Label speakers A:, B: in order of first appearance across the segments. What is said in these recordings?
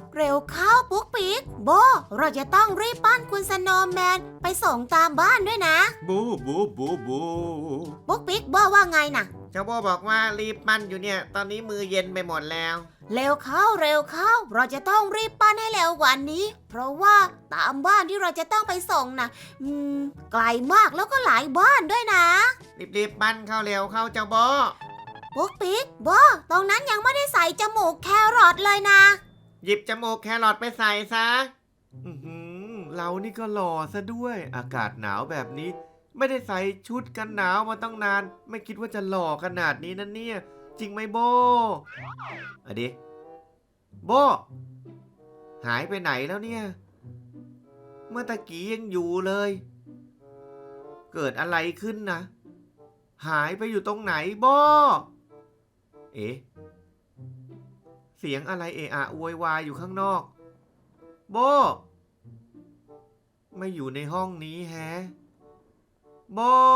A: เร็วเข้าปุ๊กปิ๊กโบเราจะต้องรีบปั้นคุณสโนว์แมนไปส่งตามบ้านด้วยนะ
B: บูบูบูบู
A: ปุ๊กปิ๊กโบว่าไงน่ะ
C: เจ้าโบบอกว่ารีบปั้นอยู่เนี่ยตอนนี้มือเย็นไปหมดแล้ว
A: เร็วเข้าเราจะต้องรีบปั้นให้เร็วกว่านี้เพราะว่าตามบ้านที่เราจะต้องไปส่งนะไกลมากแล้วก็หลายบ้านด้วยนะ
C: รีบปั้นเข้าเร็วเข้าเจ้าโบ
A: ปุ๊กปิ๊กโบตรงนั้นยังไม่ได้ใส่จมูกแครอทเลยนะ
C: หยิบจมูกแครอทไปใส่ซะ
B: เรานี่ก็หล่อซะด้วยอากาศหนาวแบบนี้ไม่ได้ใส่ชุดกันหนาวมาตั้งนานไม่คิดว่าจะหล่อขนาดนี้นะเนี่ยจริงไหมโบอะดิโบหายไปไหนแล้วเนี่ยเมื่อตะกี้ยังอยู่เลยเกิดอะไรขึ้นนะหายไปอยู่ตรงไหนโบเอ๊ะเสียงอะไรเอะอะโวยวายอยู่ข้างนอกโบไม่อยู่ในห้องนี้แฮะโบ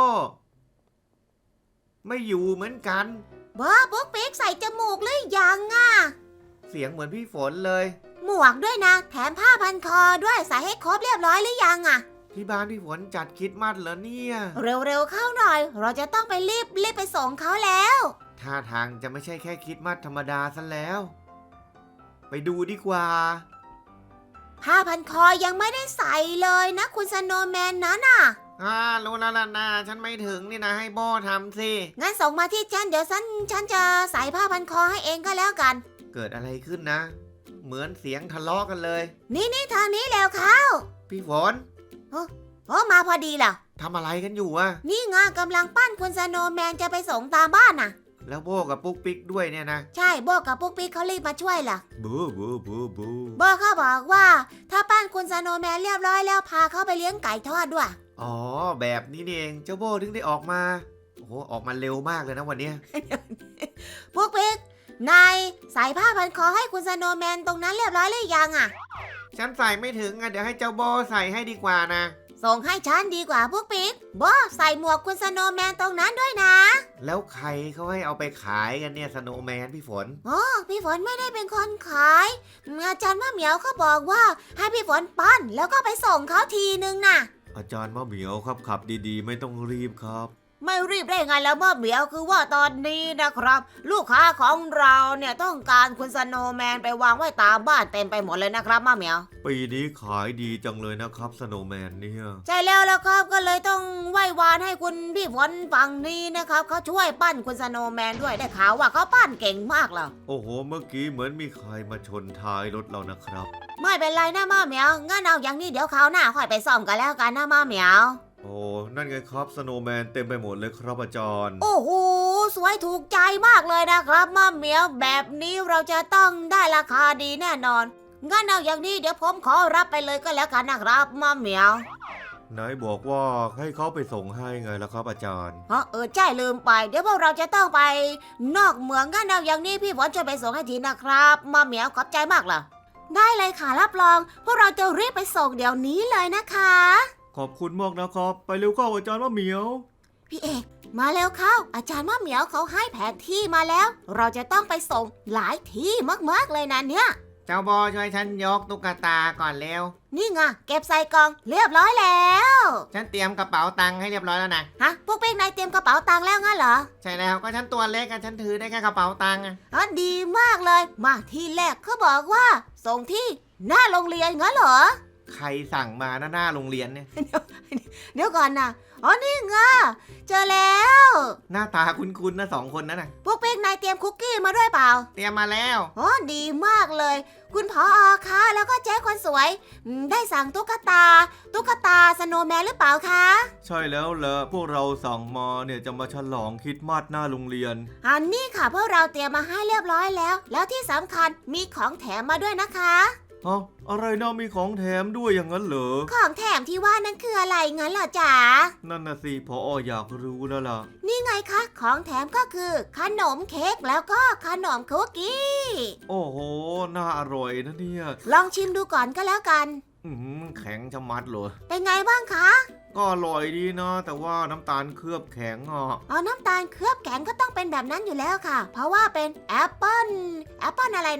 B: ไม่อยู่เหมือนกัน
A: บ้าปุ๊กปิ๊กใส่จมูกหรือยังอ่ะ
B: เสียงเหมือนพี่ฝนเลย
A: หมวกด้วยนะแถมผ้าพันคอด้วยใส่ให้ครบเรียบร้อยหรือยังอ่ะ
B: ที่บ้านพี่ฝนจัดคริสต์มาสเหรอเนี่ย
A: เร็วเข้าหน่อยเราจะต้องไปรีบไปส่งเขาแล้ว
B: ท่าทางจะไม่ใช่แค่คริสต์มาสธรรมดาซะแล้วไปดูดีกว่า
A: ผ้าพันคอยังไม่ได้ใส่เลยนะคุณสโนว์แมนนั้นน่ะ
C: รู้แล้วล่ะนะฉันไม่ถึงนี่นะให้โบทำสิ
A: งั้นส่งมาที่ฉันเดี๋ยวฉันจะใส่ผ้าพันคอให้เองก็แล้วกัน
B: เกิดอะไรขึ้นนะเหมือนเสียงทะเลาะกันเลย
A: นี่ทางนี้แล้วเข้า
B: พี่ฝน
A: โอ้มาพอดีล่ะ
B: ทำอะไรกันอยู่อะ
A: นี่ไงกำลังปั้นคุณสโนว์แมนจะไปส่งตามบ้านน่ะ
B: แล้วโบกับปุ๊กปิ๊กด้วยเนี่ยนะ
A: ใช่โบกับปุ๊กปิ๊กเขารีบมาช่วยล่ะ
B: บู
A: โบเขาบอกว่าถ้าปั้นคุณสโนว์แมนเรียบร้อยแล้วพาเขาไปเลี้ยงไก่ทอดด้วย
B: อ๋อแบบนี้นี่เองเจ้าโบถึงได้ออกมาโอ้โหออกมาเร็วมากเลยนะวันนี้
A: ปุ๊กปิ๊กนายใส่ผ้าพันคอให้คุณสโนว์แมนตรงนั้นเรียบร้อยหรือยังอ่ะ
C: ฉันใส่ไม่ถึงเดี๋ยวให้เจ้าโบใส่ให้ดีกว่านะ
A: ส่งให้ฉันดีกว่าพวกปิ๊กโบใส่หมวกคุณสโนว์แมนตรงนั้นด้วยนะ
B: แล้วใครเขาให้เอาไปขายกันเนี่ยสโนว์แมนพี่ฝน
A: อ๋อพี่ฝนไม่ได้เป็นคนขายอาจารย์มะเหมียวเขาบอกว่าให้พี่ฝนปั้นแล้วก็ไปส่งเขาทีนึงน่ะ
B: อาจารย์มะเหมียวครับขับดีๆไม่ต้องรีบครับ
A: ไม่รีบได้ไงแล้วมะเหมียวคือว่าตอนนี้นะครับลูกค้าของเราเนี่ยต้องการคุณสโนว์แมนไปวางไว้ตามบ้านเต็มไปหมดเลยนะครับมะเหมียว
B: ปีนี้ขายดีจังเลยนะครับสโนว์แมนเนี่ย
A: ใช่แล้วครับก็เลยต้องไหว้วานให้คุณพี่ฝนฝั่งนี้นะครับเขาช่วยปั้นคุณสโนว์แมนด้วยได้ข่าวว่าเขาปั้นเก่งมากเลย
B: โอ้โหเมื่อกี้เหมือนมีใครมาชนท้ายรถเรานะครับ
A: ไม่เป็นไรนะมะเหมียวงั้นเอาอย่างนี้เดี๋ยวคราวหน้าค่อยไปซ่อมกันแล้วกันนะมะเหมียว
B: โอ้นั่นไงครับสโนว์แมนเต็มไปหมดเลยครับอาจารย์
A: โอ้โหสวยถูกใจมากเลยนะครับมะเหมียวแบบนี้เราจะต้องได้ราคาดีแน่นอนงั้นเอาอย่างนี้เดี๋ยวผมขอรับไปเลยก็แล้วกันนะครับมะเหมียวน
B: ายบอกว่าให้เขาไปส่งให้ไงล่ะครับอาจารย์
A: ใช่ลืมไปเดี๋ยวพวกเราจะต้องไปนอกเมืองงั้นเอาอย่างนี้พี่ฝนช่วยไปส่งให้ทีนะครับมะเหมียวขอบใจมากล่ะได้เลยค่ะรับรองพวกเราจะรีบไปส่งเดี๋ยวนี้เลยนะคะ
B: ขอบคุณมากนะครับไปเร็วเข้าอาจารย์มะเหมียว
A: พี่เอกมาแล้วเข้าอาจารย์มะเหมียวเขาให้แผนที่มาแล้วเราจะต้องไปส่งหลายที่มากๆเลยนะเนี่ย
C: เจ้าโบช่วยฉันยกตุ๊กตาก่อนเร็ว
A: นี่ไงเก็บใส่กล่องเรียบร้อยแล้ว
C: ฉันเตรียมกระเป๋าตังค์ให้เรียบร้อยแล้วนะ
A: ฮะพวกเป้งนายเตรียมกระเป๋าตังค์แล้วงั้นเหรอ
C: ใช่แล้วก็ฉันตัวเล็กฉันถือได้แค่กระเป๋าตังค์
A: ดีมากเลยมาที่แรกเขาบอกว่าส่งที่หน้าโรงเรียนงั้นเหรอ
B: ใครสั่งมาหน้าโรงเรียนเนี่ย
A: เดี๋ยวก่อนนะนี่ไงเจอแล้ว
B: หน้าตาคุ้นๆนะสองคนนั้นนะ
A: พวกเป้งนายเตรียมคุกกี้มาด้วยเปล่า
C: เตรียมมาแล้ว
A: ดีมากเลยคุณผอ.คะแล้วก็เจ๊คนสวยได้สั่งตุ๊กตาสโนว์แมนหรือเปล่าคะ
B: ใช่แล้วแหละพวกเราสั่งมาเนี่ยจะมาฉลองคริสต์มาสหน้าโรงเรียน
A: นี่ค่ะพวกเราเตรียมมาให้เรียบร้อยแล้วที่สำคัญมีของแถมมาด้วยนะคะ
B: อะไรนะมีของแถมด้วยอย่างนั้นเหรอ
A: ของแถมที่ว่านั่นคืออะไรงั้นเหรอจ๊ะ
B: นั่นน่ะสิผอ.อยากรู้แล้วล่ะ
A: นี่ไงคะของแถมก็คือขนมเค้กแล้วก็ขนมคุกกี้
B: โอ้โหน่าอร่อยนะเนี่ย
A: ลองชิมดูก่อนก็แล้วกัน
B: แข็งชะมัดเลย
A: เป็นไงบ้างคะ
B: ก็อร่อยดีนะแต่ว่าน้ำตาลเคลือบแข็ง
A: น้ำตาลเคลือบแข็งก็ต้องเป็นแบบนั้นอยู่แล้วค่ะเพราะว่าเป็นแอปเปิ้ลอะไรนะ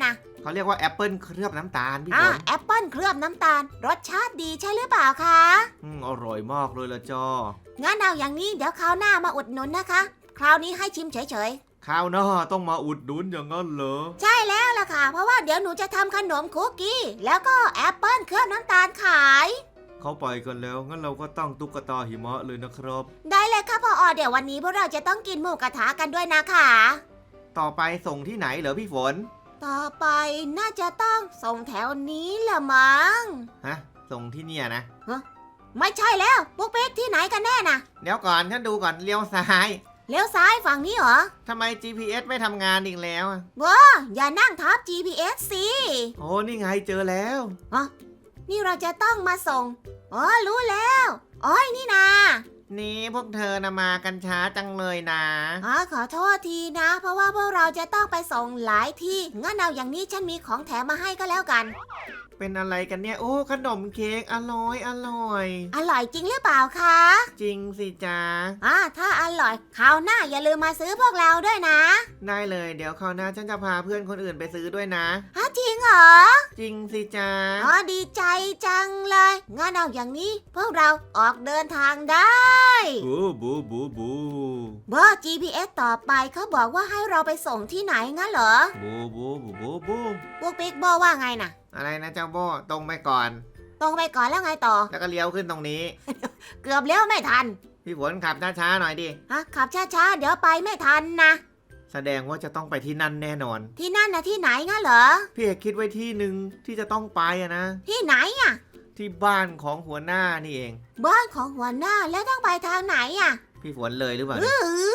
B: เขาเรียกว่าแอปเปิลเคลือบน้ำตาลพี่ฝน
A: แอปเปิ้ลเคลือบน้ำตาลรสชาติดีใช่หรือเปล่าคะ
B: อร่อยมากเลยละจ้า
A: งั้นเอาอย่างนี้เดี๋ยวคราวหน้ามาอุดหนุนนะคะ คราวนี้ให้ชิมเฉย
B: ข้าวหน้าต้องมาอุดหนุนอย่างนั้นเหรอ
A: ๆ ใช่แล้วล่ะค่ะ เพราะว่าเดี๋ยวหนูจะทำขนมคุกกี้ แล้วก็แอปเปิ้ลเคลือบน้ำตาลขาย
B: เขาไปกันแล้วงั้นเราก็ตั้งตุ๊กตาหิมะเลยนะครับ
A: ได้เลยค่ะพอเดี๋ยววันนี้พวกเราจะต้องกินหมูกระทะกันด้วยนะคะ
B: ต่อไปส่งที่ไหนเหรอพี่ฝน
A: ต่อไปน่าจะต้องส่งแถวนี้ละมั้ง
B: ฮะ ส่งที่เนี่ยนะ
A: ไม่ใช่แล้วปุ๊กปิ๊กที่ไหนกันแน่น่ะ
B: เดี๋ยวก่อนฉันดูก่อนเลี้ยวซ้าย
A: เลี้ยวซ้ายฝั่งนี้เหรอ
B: ทำไม GPS ไม่ทำงานอีกแล้วอะ
A: อย่านั่งทับ GPS สิ
B: โอ้นี่ไงเจอแล้ว
A: นี่เราจะต้องมาส่งรู้แล้วนี่นา
C: นี่พวกเธอนะมากันช้าจังเลยนะ
A: ขอโทษทีนะ เพราะว่าพวกเราจะต้องไปส่งหลายที่งั้นเอาอย่างนี้ฉันมีของแถมมาให้ก็แล้วกัน
B: เป็นอะไรกันเนี่ย โอ้ขนมเค้กอร่อยอร่อย
A: อร่อยจริงหรือเปล่าคะ
B: จริงสิจ้า
A: ถ้าอร่อยคราวหน้าอย่าลืมมาซื้อพวกเราด้วยนะ
B: ได้เลยเดี๋ยวคราวหน้าฉันจะพาเพื่อนคนอื่นไปซื้อด้วยนะ
A: จริงเหรอ
B: จริงสิจ้า
A: ดีใจจังเลยงั้นเอาอย่างนี้พวกเราออกเดินทางได้
B: บูบูบูบู
A: GPS ต่อไปเขาบอกว่าให้เราไปส่งที่ไหนงั้นเหรอ
B: บูบูบูบูบู
A: พวกปิ๊กบอกว่าไงน่ะ
B: อะไรนะเจ้าโบตรงไปก่อน
A: ตรงไปก่อนแล้วไงต่อ
B: แล้วก็เลี้ยวขึ้นตรงนี้
A: เกือบเลี้ยวไม่ทัน
B: พี่ฝนขับช้าๆหน่อยดิ
A: ขับช้าๆเดี๋ยวไปไม่ทันนะ
B: แสดงว่าจะต้องไปที่นั่นแน่นอน
A: ที่นั่นนะที่ไหนงั้นเหรอ
B: พี่เอกคิดไว้ที่หนึ่งที่จะต้องไปอะนะ
A: ที่ไหนอ่ะ
B: ที่บ้านของหัวหน้านี่เอง
A: บ้านของหัวหน้าแล้วต้องไปทางไหนอ่ะ
B: พี่ฝนเลยหรือเปล่า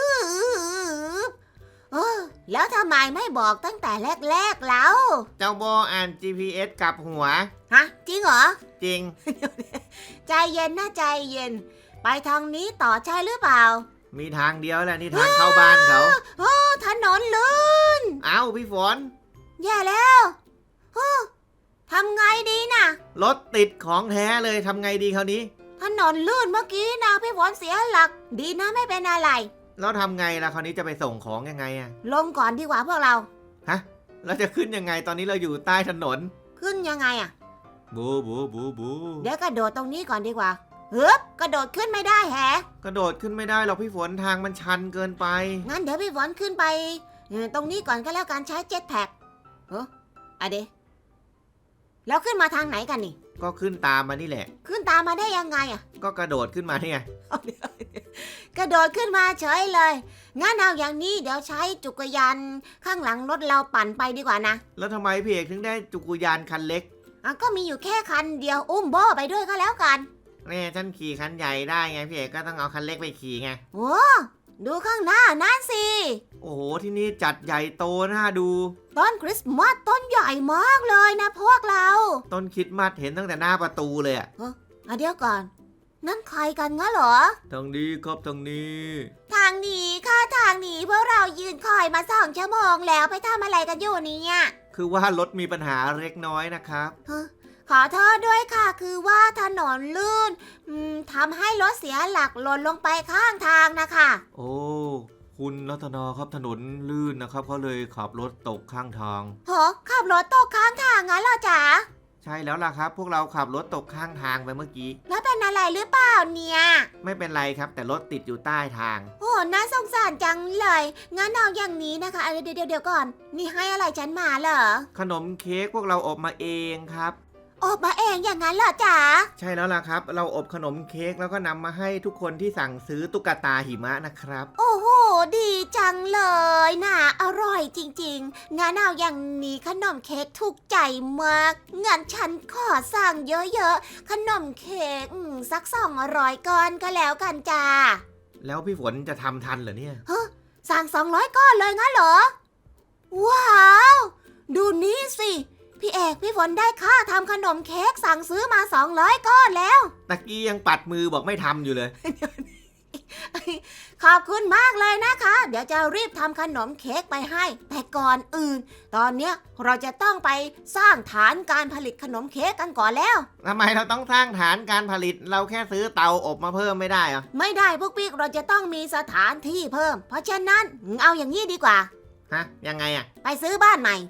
A: แล้วทำไมไม่บอกตั้งแต่แรกๆแล้ว
B: เจ้าโบอ่าน GPS กลับหัว
A: จริงเหรอ
B: จริง
A: ใจเย็นนะใจเย็น ไปทางนี้ต่อใช่หรือเปล่า
B: มีทางเดียวแหละนี่ทางเข้าบ้านเขา
A: ถนนลื่น
B: เอ้าพี่ฝน
A: แย่แล้วทำไงดีน่ะ
B: รถติดของแท้เลยทำไงดีคราวนี้
A: ถนนลื่นเมื่อกี้นะพี่ฝนเสียหลัก ดีนะไม่เป็นอะไร
B: แล้วทำไงล่ะคราวนี้จะไปส่งของยังไงอะ
A: ลงก่อนดีกว่าพวกเรา
B: ฮะเราจะขึ้นยังไงตอนนี้เราอยู่ใต้ถนน
A: ขึ้นยังไงอ่ะ
B: บูบูบูบู
A: เดี๋ยวกระโดดตรงนี้ก่อนดีกว่ากระโดดขึ้นไม่ได้แฮะ
B: กระโดดขึ้นไม่ได้หรอกพี่ฝนทางมันชันเกินไป
A: งั้นเดี๋ยวพี่ฝนขึ้นไปตรงนี้ก่อนก็แล้วกันใช้เจ็ตแพ็คเดแล้วขึ้นมาทางไหนกันนี่
B: ก็ขึ้นตามมานี่แหละ
A: ขึ้นตามมาได้ยังไงอ่ะ
B: ก็กระโดดขึ้นมาเนี่ย
A: กระโดดขึ้นมาเฉยเลย งั้นเอาอย่างนี้เดี๋ยวใช้จักรยานข้างหลังรถเราปั่นไปดีกว่านะ
B: แล้วทำไมพี่เอกถึงได้จักรยานคันเล็ก
A: ก็มีอยู่แค่คันเดียวอุ้มโบไปด้วยก็แล้วกัน
B: แน่ฉันขี่คันใหญ่ได้ไงพี่เอกก็ต้องเอาคันเล็กไปขี่ไง
A: โอ้ดูข้างหน้านั่นสิ
B: โอ้โหที่นี่จัดใหญ่โตน่าดู
A: ต้นคริสต์มาสต้นใหญ่มากเลยนะพวกเรา
B: ต้นคริดมัดเห็นตั้งแต่หน้าประตูเลยอะ
A: เดี๋ยวก่อน นั่นใครกันงั้นเหรอ
B: ทางนี้ครับทางนี้
A: ทางนี้ค่ะทางนี้พวกเรายืนคอยมา2 ชั่วโมงแล้วไปทำอะไรกันอยู่เนี่ย
B: คือว่ารถมีปัญหาเล็กน้อยนะครับ
A: ขอโทษด้วยค่ะคือว่าถนนลื่นทำให้รถเสียหลักหล่นลงไปข้างทางนะคะ
B: โอ้คุณรัตนาครับถนนลื่นนะครับเขาเลยขับรถตกข้างทาง
A: ขับรถตกข้างทางงั้นเหรอจ๊ะ
B: ใช่แล้วล่ะครับ พวกเราขับรถตกข้างทางไปเมื่อกี้
A: แล้วเป็นอะไรหรือเปล่าเนี่ย
B: ไม่เป็นไรครับ แต่รถติดอยู่ใต้ทาง
A: น่าสงสารจังเลยงั้นเอาอย่างนี้นะคะเดี๋ยวก่อนนี่ให้อะไรฉันมาเหรอ
B: ขนมเค้กพวกเราอบมาเองครับ
A: อบมาเองอย่างนั้นเหรอจ๊ะ
B: ใช่แล้วล่ะครับ เราอบขนมเค้กแล้วก็นำมาให้ทุกคนที่สั่งซื้อตุ๊กตาหิมะนะครับ
A: โอ้โหดีจังเลยนะอร่อยจริงๆงั้นเอาอย่างนี้ขนมเค้กถูกใจมากงั้นฉันขอสั่งเยอะๆขนมเค้กสัก200 ก้อนก็แล้วกันจ้า
B: แล้วพี่ฝนจะทำทันเหรอเนี่ย
A: สั่ง200 ก้อนเลยงั้นเหรอว้าว ดูนี่สิพี่เอกพี่ฝนได้ค่าทำขนมเค้กสั่งซื้อมา200 ก้อนแล้ว
B: ตะกี้ยังปัดมือบอกไม่ทำอยู่เลย
A: ขอบคุณมากเลยนะคะ เดี๋ยวจะรีบทำขนมเค้กไปให้ แต่ก่อนอื่น ตอนเนี้ยเราจะต้องไปสร้างฐานการผลิตขนมเค้กกันก่อนแล้ว
B: ทำไมเราต้องสร้างฐานการผลิตเราแค่ซื้อเตาอบมาเพิ่มไม่ได้เหรอ
A: ไม่ได้พวกปิ๊กเราจะต้องมีสถานที่เพิ่ม เพราะฉะนั้นเอาอย่างนี้ดีกว่า
B: ฮะยังไงอะ
A: ไปซื้อบ้านใหม่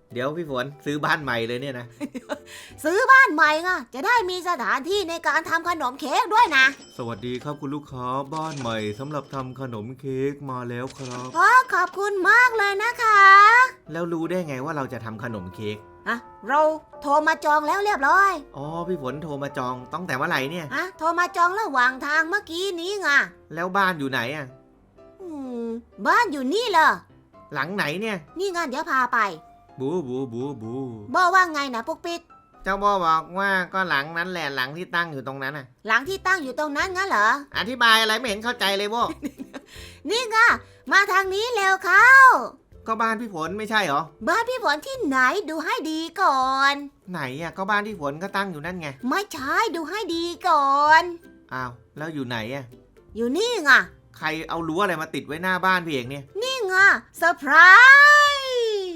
B: เดี๋ยวพี่ฝนซื้อบ้านใหม่เลยเนี่ยนะ
A: ซื้อบ้านใหม่ไงจะได้มีสถานที่ในการทำขนมเค้กด้วยนะ
B: สวัสดีครับคุณลูกค้าบ้านใหม่สำหรับทำขนมเค้กมาแล้วครับ
A: ขอบคุณมากเลยนะคะ
B: แล้วรู้ได้ไงว่าเราจะทำขนมเค้ก
A: เราโทรมาจองแล้วเรียบร้อย
B: อ๋อพี่ฝนโทรมาจองตั้งแต่เมื่อไหร่เนี่ย
A: โทรมาจองระหว่างทางเมื่อกี้นี้ไง
B: แล้วบ้านอยู่ไหนอ่ะ
A: อืมบ้านอยู่นี่เหรอ
B: หลังไหนเนี่ย
A: นี่งานเดี๋ยวพาไป
B: บูบูบูบู
A: บอว่าไงนะปุ๊กปิ๊ก
C: เจ้าโบบอกว่าก็หลังนั้นแหละหลังที่ตั้งอยู่ตรงนั้นน่ะ
A: หลังที่ตั้งอยู่ตรงนั้นงั้นเหรอ
C: อธิบายอะไรไม่เห็นเข้าใจเลยโบ
A: นี่ไงมาทางนี้เร็วเข้า
B: ก็บ้านพี่ฝนไม่ใช่เหรอ
A: บ้านพี่ฝนที่ไหนดูให้ดีก่อน
B: ไหนอ่ะก็บ้านพี่ฝนก็ตั้งอยู่นั่นไง
A: ไม่ใช่ดูให้ดีก่อน
B: อ้าวแล้วอยู่ไหนอ่ะ
A: อยู่นี่ไง
B: ใครเอารั้วอะไรมาติดไว้หน้าบ้านพี่เอกเนี่ย
A: นี่ไงเซอร์ไพรส์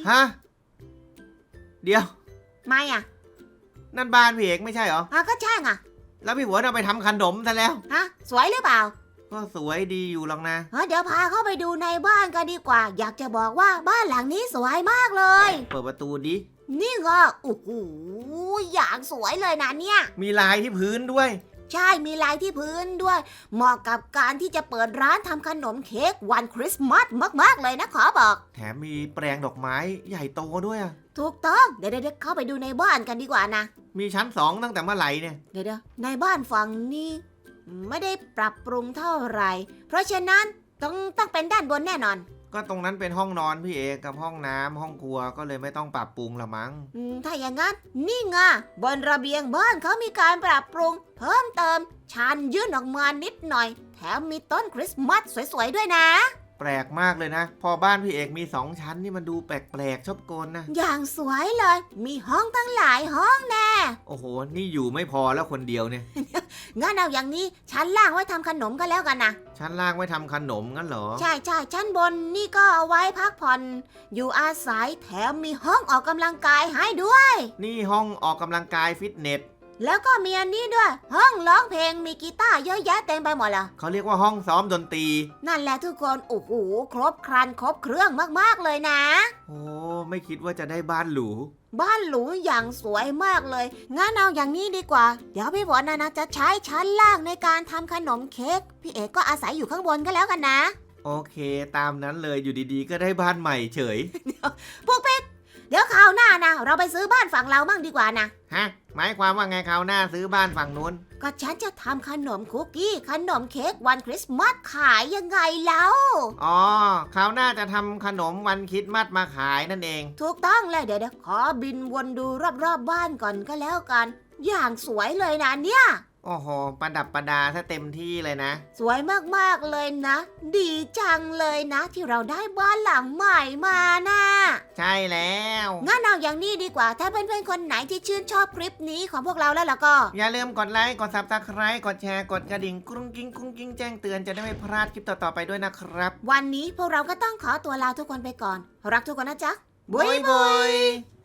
B: ฮะเดี๋ยว
A: ไม่อ่ะ
B: นั่นบ้านพี่เอกไม่ใช่เหรอ
A: ก็ใช่ไง
B: แล้วพี่ฝนเอาไปทำขนมซะแล้ว
A: สวยหรือเปล่า
B: ก็สวยดีอยู่หรอกนะ
A: เดี๋ยวพาเข้าไปดูในบ้านกันดีกว่า อยากจะบอกว่าบ้านหลังนี้สวยมากเลย
B: เปิดประตูดิ
A: นี่ไงโอ้โหอย่างสวยเลยนะเนี่ย
B: มีลายที่พื้นด้วย
A: ใช่มีลายที่พื้นด้วย เหมาะกับการที่จะเปิดร้านทำขนมเค้กวันคริสต์มาสมากๆเลยนะขอบอก
B: แถมมีแปลงดอกไม้ใหญ่โตด้วยอะ
A: ถูกต้องเดี๋ยวเข้าไปดูในบ้านกันดีกว่านะ
B: มีชั้น2ตั้งแต่เมื่อไหร่เนี่ย
A: เดี๋ยวในบ้านฝั่งนี้ไม่ได้ปรับปรุงเท่าไหร่ เพราะฉะนั้นต้องเป็นด้านบนแน่นอน
B: ก็ตรงนั้นเป็นห้องนอนพี่เอกกับห้องน้ำห้องครัวก็เลยไม่ต้องปรับปรุงละมั้ง
A: ถ้าอย่างนั้นนี่ไงบนระเบียงบ้านเขามีการปรับปรุง เพิ่มเติมชันยื่นออกมานิดหน่อย แถมมีต้นคริสต์มาสสวยๆด้วยนะ
B: แปลกมากเลยนะ พอบ้านพี่เอกมี2ชั้นนี่มันดูแปลกๆชอบโกนนะ
A: อย่างสวยเลย มีห้องตั้งหลายห้องแน่
B: โอ้โหนี่อยู่ไม่พอแล้วคนเดียวเนี่ย
A: งั้นเอาอย่างนี้ชั้นล่างไว้ทำขนมก็แล้วกันนะ
B: ชั้นล่างไว้ทำขนมงั้นเหรอ
A: ใช่ชั้นบนนี่ก็เอาไว้พักผ่อน อยู่อาศัยแถมมีห้องออกกำลังกายให้ด้วย
B: นี่ห้องออกกำลังกายฟิตเนส
A: แล้วก็มีอันนี้ด้วย ห้องร้องเพลงมีกีตาร์เยอะแยะเต็มไปหมดเลย
B: เขาเรียกว่าห้องซ้อมดนตรี
A: นั่นแหละทุกคนโอ้โหครบครันครบเครื่องมากๆเลยนะ
B: โอ้ไม่คิดว่าจะได้บ้านหรู
A: บ้านหรูอย่างสวยมากเลย งั้นเอาอย่างนี้ดีกว่า เดี๋ยวพี่ฝนนะจะใช้ชั้นล่างในการทำขนมเค้ก พี่เอกก็อาศัยอยู่ข้างบนก็แล้วกันนะ
B: โอเคตามนั้นเลยอยู่ดีๆ ก็ได้บ้านใหม่เฉย
A: พวกปิ๊กเดี๋ยวคราวหน้านะเราไปซื้อบ้านฝั่งเราบ้างดีกว่านะ
C: ฮะ หมายความว่าไงคราวหน้าซื้อบ้านฝั่งนู้น
A: ก็ฉันจะทำขนมคุกกี้ขนมเค้กวันคริสต์มาสขายยังไงแล้ว
C: อ๋อคราวหน้าจะทำขนมวันคริดมัดมาขายนั่นเอง
A: ถูกต้องเลยเดี๋ยวขอบินวนดูรอบๆบ้านก่อนก็แล้วกัน อย่างสวยเลยนะเนี่ย
C: โอ้โห ประดับประดาซะเต็มที่เลยนะ
A: สวยมากๆเลยนะ ดีจังเลยนะ ที่เราได้บ้านหลังใหม่มานะ
C: ใช่แล้ว
A: งั้นเอาอย่างนี้ดีกว่า ถ้าเพื่อนๆคนไหนที่ชื่นชอบคลิปนี้ของพวกเราแล้วล่ะก็
C: อย่าลืมกดไลค์ กด Subscribe กดแชร์ กดกระดิ่งกรุ้งกิ้งกรุ้งกิ้งแจ้งเตือนจะได้ไม่พลาดคลิปต่อๆไปด้วยนะครับ
A: วันนี้พวกเราก็ต้องขอตัวลาทุกคนไปก่อน รักทุกคนนะจ๊ะ
C: บุยบุย